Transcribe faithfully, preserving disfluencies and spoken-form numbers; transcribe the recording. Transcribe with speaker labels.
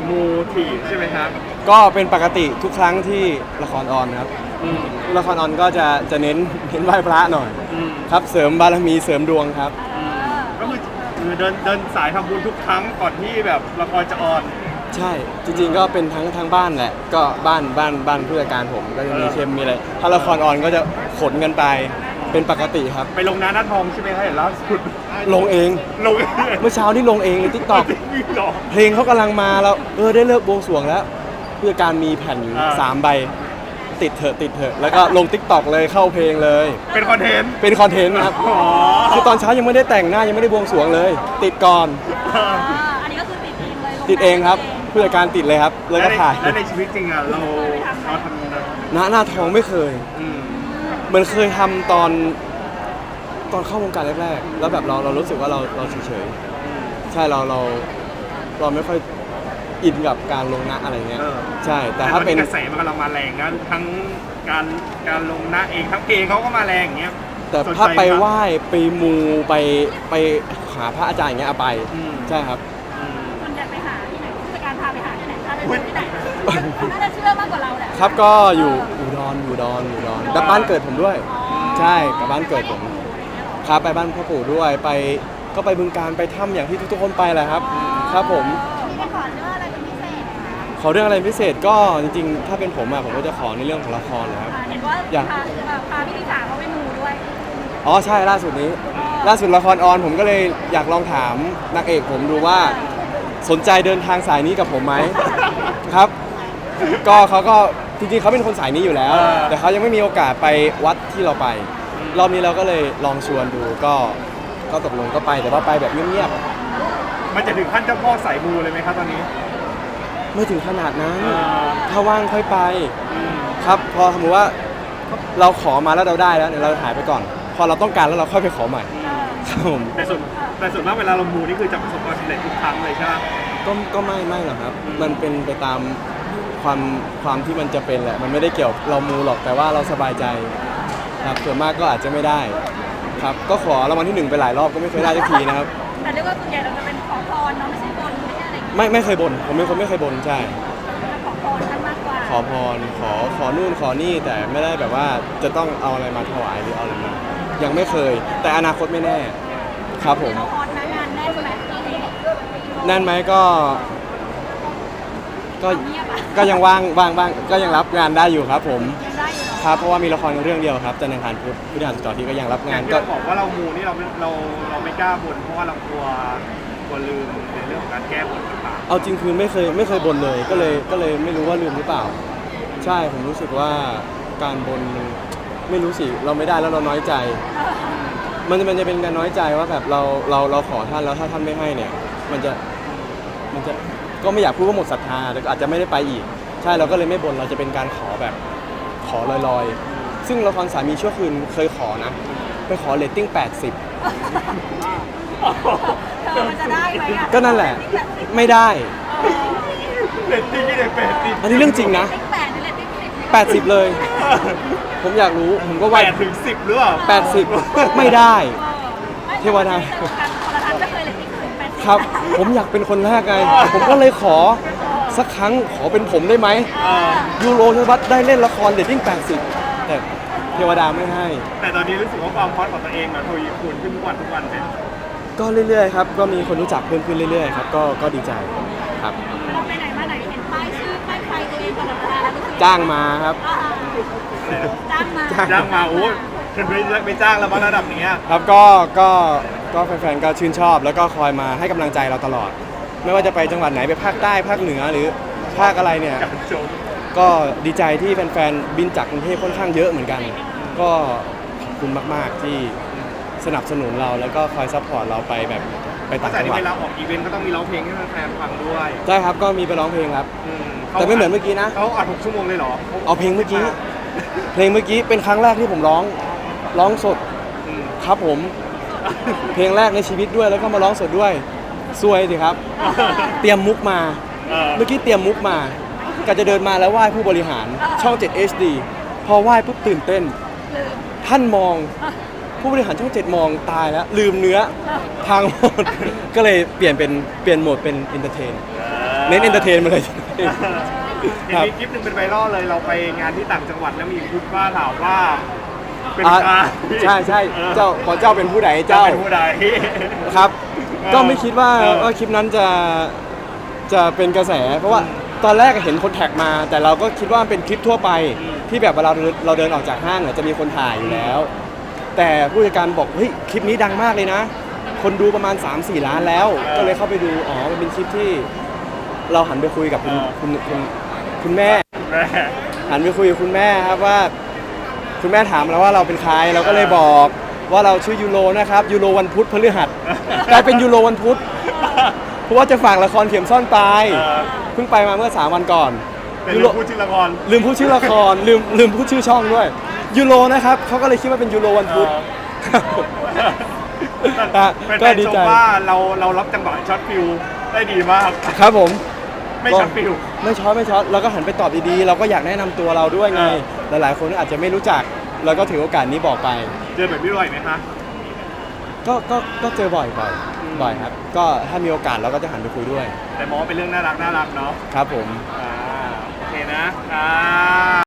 Speaker 1: มูถี่ใช่ไหมครับ
Speaker 2: ก็เป็นปกติทุกครั้งที่ละครออนครับละครออนก็จะจะเน้นเน้นไหว้พระหน่อยครับเสริมบารมีเสริมดวงครับ
Speaker 1: ก็คือคือเดินเดินสายทำบุญทุกครั้งก่อนที่แบบละครจะออน
Speaker 2: ใช่จริงๆก็เป็นทั้งทั้งบ้านแหละก็บ้านบ้านบ้านผู้จัดการผมก็จะมีเข้มมีอะไรถ้าละครออนก็จะขนกันไปเป็นปกติครับ
Speaker 1: ไปลงนาหน้าทองใช่ไหมครับเห็นล่าสุด
Speaker 2: ลงเอง
Speaker 1: ลงเอง
Speaker 2: เมื่อเช้านี่ลงเองในทิกตอกเพลงเขากำลังมาแล้วเออได้เลิกบวงสรวงแล้วผู้จัดการมีแผ่นอยู่สามใบติดเถอะติดเถอะแล้วก็ลงทิกตอกเลยเข้าเพลงเลย
Speaker 1: เป็นคอนเทนต์
Speaker 2: เป็นคอนเทนต์ครับคือตอนเช้ายังไม่ได้แต่งหน้ายังไม่ได้บวงสรวงเลยติดก่อน
Speaker 3: อันนี้ก็คือติดเองเลย
Speaker 2: ติดเองครับผู้จัดการติดเลยครับเลยก็ถ่าย
Speaker 1: แล้วในชีวิตจริงอ่ะเราเราทำ
Speaker 2: หน้าหน้าทองไม่เคยเหมือนเคยทำตอนตอนเข้าวงการแรกๆแล้วแบบเราเรารู้สึกว่าเราเราเฉยๆใช่เราเราเราไม่ค่อยอินกับการลงหน้าอะไรเงี้ยใช่แต่ถ้าเป็น
Speaker 1: กระแสมันกำลังมาแรงนะทั้งการการลงหน้าเองทั้งเพลงเขาก็มาแรงอย่างเงี้ย
Speaker 2: แต่ถ้าไปไหว้ไปมูไปไปหาพระอาจารย์อย่างเงี้ยเอาไปใช่ครับ
Speaker 3: คนจะไปหาที่ไหนผู้จัดการพาไปหาที่ไหนถ้าจะที่ไหนน่าจะเชื่อมากกว่าเราแหละ
Speaker 2: ครับก็อยู่อุดรอยู่ดอนอยู่ดอนกับบ้านเกิดผมด้วยใช่กับบ้านเกิดผมครับไปบ้านพ่อปู่ด้วยไปก็ไปบึงการไปถ้ำอย่างที่ทุกๆคนไปแหละครับครับผม
Speaker 3: มีขอเรื่องอะไรเป็นพิเศษ
Speaker 2: ขอเรื่องอะไรพิเศษก็จริงๆถ้าเป็นผมอะผมก็จะขอในเรื่องของละครนะครับ
Speaker 3: เห็นว่าอยากพาพี่ลิซ่าเขาไปมูด้วย
Speaker 2: อ๋อใช่ล่าสุดนี้ล่าสุดละครออนผมก็เลยอยากลองถามนักเอกผมดูว่าสนใจเดินทางสายนี้กับผมไหมครับก็เขาก็จริงๆเขาเป็นคนสายนี้อยู่แล้วแต่เขายังไม่มีโอกาสไปวัดที่เราไปรอบนี้เราก็เลยลองชวนดูก็ก็ตกลงก็ไปแต่ว่าไปแบบเงียบ
Speaker 1: ๆมันจะถึงขั้นเจ้าพ่อสายมูเลยไหมครับตอนนี้
Speaker 2: ไม่ถึงขนาดนั้นถ้าว่างค่อยไปครับพอสมมติว่าเราขอมาแล้วเราได้แล้วเดี๋ยวเราหายไปก่อนพอเราต้องการแล้วเราค่อยไปขอใหม่ครับผม
Speaker 1: แต่ส่วนแต่ส่วนมากเวลาเรามูนี่คือจะประสบความสำเร็จทุกครั้งเลยใช่ไหม
Speaker 2: ก็ก็ไม่ไม่หรอกครับมันเป็นไปตามความความที่มันจะเป็นแหละมันไม่ได้เกี่ยวเรามูหรอกแต่ว่าเราสบายใจครับส่วนมากก็อาจจะไม่ได้ครับก็ขอรางวัลที่หนึ่งไปหลายรอบก็ไม่เคยได้สักทีนะครับ
Speaker 3: แต่เรียกว่าส่วนใหญ่เราจะเป็นขอพรเนาะไม่ใช่บนไม่ใช่อะไร
Speaker 2: ไม่ไม่เคยบนผมเป็นคนไม่เคยบนใช่
Speaker 3: ขอพรท่านมากกว่า
Speaker 2: ขอพรขอขอนู่นขอนี่แต่ไม่ได้แบบว่าจะต้องเอาอะไรมาถวายหรือเอาอะไรมายังไม่เคยแต่อนาคตไม่แน่ครับผม
Speaker 3: ขอพรนะงานแน่นไหม
Speaker 2: แน่นไหมก็ก็ก็ยังว่างว่างบ้างก็ยังรับงานได้อยู่ครับผมครับเพราะว่ามีละครเรื่องเดียวครับจันทร์อังคารพุธพฤหัสศุกร์ที่ก็ยังรับงาน
Speaker 1: ก็บอกว่าเรามูนี่เราเราเราไม่กล้าบนเพราะว่าเรากลัวกลัวลืมในเรื่องของการแก้บนต่าง
Speaker 2: ๆเอาจริงคือไม่เคยไม่เคยบนเลยก็เลยก็เลยไม่รู้ว่าลืมหรือเปล่าใช่ผมรู้สึกว่าการบนไม่รู้สิเราไม่ได้แล้วเราน้อยใจมันมันจะเป็นการน้อยใจว่าแบบเราเราเราขอท่านแล้วถ้าท่านไม่ให้เนี่ยมันจะมันจะก็ไม่อยากพูดว่าหมดศรัทธาแต่ก็อาจจะไม่ได้ไปอีกใช่เราก็เลยไม่บนเราจะเป็นการขอแบบขอลอยๆซึ่งละครสามีชั่วคืนเคยขอนะไปขอเรตติ้งแปดสิบ
Speaker 3: มันจะได้ไหมอ่ะ
Speaker 2: ก็นั่นแหละไม่ได้
Speaker 1: เรตติ้งที่ไหนแปดสิบ
Speaker 2: อันนี้เรื่องจริงนะแปดสิบเลยผมอยากรู้ผมก็ว่า
Speaker 1: แปดถึงสิบหรือเปล่า
Speaker 2: แปดสิบไม่ได้เทวดาครับผมอยากเป็นคนแรกไงผมก็เลยขอสักครั้งขอเป็นผมได้ไหมยูโรธวัฒน์ได้เล่นละครเรตติ้งแปดสิบแต่เทวดาไม่ให้
Speaker 1: แต่ตอนนี้รู้สึกว่าความฮอตของตัวเองมันทวีคูณขึ้นทุกวันทุกวันเลย
Speaker 2: ก็เรื่อยๆครับก็มีคนรู้จักเพิ่มขึ้นเรื่อยๆครับก็ก็ดีใจครับ
Speaker 3: เราไปไหนมาไหนเห็นป้ายชื่อป้ายใครตัวเองตลอดเวลาแล้ว
Speaker 2: จ้างมาครับ
Speaker 3: จ้างมา
Speaker 1: จ้างมาโอ้ฉันไม่ไม่จ้างแล้วมาระดับนี้
Speaker 2: ครับก็ก็ก็แฟนๆก็ชื่นชอบแล้วก็คอยมาให้กำลังใจเราตลอดไม่ว่าจะไปจังหวัดไหนไปภาคใต้ภาคเหนือหรือภาคอะไรเนี่ยก็ดีใจที่แฟนๆบินจากกรุงเทพค่อนข้างเยอะเหมือนกันก็ขอบคุณมากๆที่สนับสนุนเราแล้วก็คอยซัพพอร์ตเราไปแบบไปต่างจังหวัด
Speaker 1: แต่ที่เวลาออกอีเวนต์ก็ต้องมีร้องเพลงให้แฟนๆฟังด้วย
Speaker 2: ใช่ครับก็มีไปร้องเพลงครับแต่ไม่เหมือนเมื่อกี้นะ
Speaker 1: เขาอัดหกชั่วโมงเลยเหรอ
Speaker 2: เอาเพลงเมื่อกี้เพลงเมื่อกี้เป็นครั้งแรกที่ผมร้องร้องสดครับผมเพลงแรกในชีวิตด้วยแล้วก็มาร้องสดด้วยซวยสิครับเตรียมมุกมาเมื่อกี้เตรียมมุกมาก็จะเดินมาแล้วไหว้ผู้บริหารช่อง เจ็ด เอช ดี พอไหว้ปุ๊บตื่นเต้นท่านมองผู้บริหารช่องเจ็ดมองตายแล้วลืมเนื้อทางหมดก็เลยเปลี่ยนเป็นเปลี่ยนโหมดเป็นเอนเตอร์เทนเน้นเอนเตอร์เทนมาเลย
Speaker 1: เห็น
Speaker 2: ครับ
Speaker 1: มีคลิปหนึ่งเป็นไวรัลเลยเราไปงานที่ต่างจังหวัดแล้วมีคุณป้าถามว่าเป็น
Speaker 2: อ่า
Speaker 1: ใคร
Speaker 2: ใช่ใช่
Speaker 1: ออ
Speaker 2: เจ้าขอเจ้าเป็นผู้ใด
Speaker 1: เจ้า
Speaker 2: เจ้า
Speaker 1: เป็นผู้ใด
Speaker 2: ครับ
Speaker 1: เออ
Speaker 2: ก็ไม่คิดว่า
Speaker 1: เออ
Speaker 2: ว่าคลิปนั้นจะจะเป็นกระแส เพราะว่าตอนแรกเห็นคนแท็กมา แต่เราก็คิดว่ามันเป็นคลิปทั่วไป ที่แบบเวลาเราเราเดินออกจากห้างเนี่ยจะมีคนถ่ายอยู่แล้ว แต่ผู้จัดการบอกเฮ้ยคลิปนี้ดังมากเลยนะ คนดูประมาณ สามสี่ ล้านแล้ว ก็เลยเข้าไปดูอ๋อมันเป็นคลิปที่เราหันไปคุยกับคุณคุณคุณคุณแม่
Speaker 1: แม่
Speaker 2: หันไปคุยกับคุณแม่ครับว่า คุณแม่ถามเราว่าเราเป็นใครเราก็เลยบอกว่าเราชื่อยูโรนะครับยูโรวันพุธพฤหัสกลายเป็นยูโรวันพุธเพราะว่าจะฝากละครเข็มซ่อนปลาย
Speaker 1: เออ
Speaker 2: เพิ่งไปมาเมื่อสามวันก่อน
Speaker 1: เป็น
Speaker 2: ยู
Speaker 1: เรื่
Speaker 2: โร
Speaker 1: องพูดชื่อละคร
Speaker 2: ลืมพูดชื่อละครลืมลืมพูดชื่อช่องด้วยยูโรนะครับเขาก็เลยคิดว่าเป็นยูโรวันพุธ อ่ะ
Speaker 1: เป็น
Speaker 2: ก็
Speaker 1: แฟน
Speaker 2: ดี
Speaker 1: ชม
Speaker 2: ใจ
Speaker 1: ว่าเราเรารับจังหวะช็อตฟิลได้ดีมาก
Speaker 2: ครับผม
Speaker 1: ไม่ช็อตฟิล
Speaker 2: ไม่ช็อตไม่ช็อตเราก็หันไปตอบดีๆ เราก็อยากแนะนำตัวเราด้วยไง
Speaker 1: เออ
Speaker 2: หลายๆคนอาจจะไม่รู้จักเราก็ถือโอกาสนี้บอกไป
Speaker 1: เจอแบบนี้บ่อยไหมคะ
Speaker 2: ก็ก็ก็เจอบ่อยบ่อยบ่อยครับ ก็ถ้ามีโอกาสเราก็จะหันไปคุยด้วย
Speaker 1: แต่มองว่าเป็นเรื่องน่ารักน่ารักเนาะ
Speaker 2: ครับผม
Speaker 1: อ่าโอเคนะอ่า